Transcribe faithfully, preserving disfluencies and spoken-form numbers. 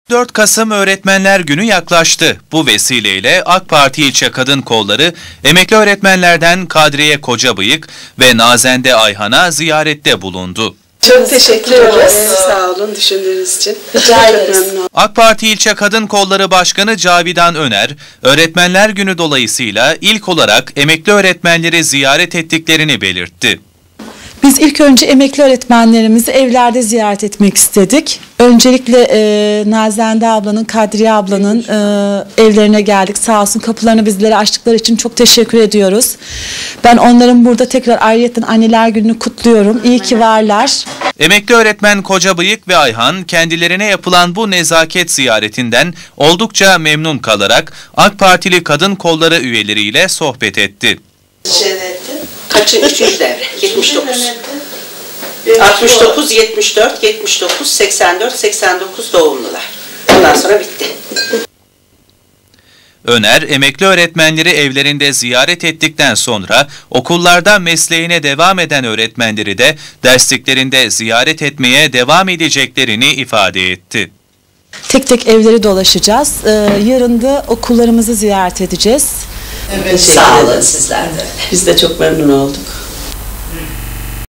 dört Kasım Öğretmenler Günü yaklaştı. Bu vesileyle AK Parti İlçe Kadın Kolları emekli öğretmenlerden Kadriye Kocabıyık ve Nazende Ayhan'a ziyarette bulundu. Çok teşekkür ederiz. Sağ olun düşündüğünüz için. Rica ederiz. AK Parti İlçe Kadın Kolları Başkanı Cavidan Öner, Öğretmenler Günü dolayısıyla ilk olarak emekli öğretmenleri ziyaret ettiklerini belirtti. Biz ilk önce emekli öğretmenlerimizi evlerde ziyaret etmek istedik. Öncelikle e, Nazende ablanın, Kadriye ablanın e, evlerine geldik. Sağ olsun kapılarını bizlere açtıkları için çok teşekkür ediyoruz. Ben onların burada tekrar ayrıyeten Anneler Günü'nü kutluyorum. İyi ki varlar. Emekli öğretmen Kocabıyık ve Ayhan kendilerine yapılan bu nezaket ziyaretinden oldukça memnun kalarak AK Partili Kadın Kolları üyeleriyle sohbet etti. Kaçı? Üçüncü devre. yetmiş dokuz. altmış dokuz, yetmiş dört, yetmiş dokuz, seksen dört, seksen dokuz doğumlular. Ondan sonra bitti. Öner, emekli öğretmenleri evlerinde ziyaret ettikten sonra okullarda mesleğine devam eden öğretmenleri de dersliklerinde ziyaret etmeye devam edeceklerini ifade etti. Tek tek evleri dolaşacağız. Ee, yarın da okullarımızı ziyaret edeceğiz. Evet, sağ olun sizler de. Biz de çok memnun olduk.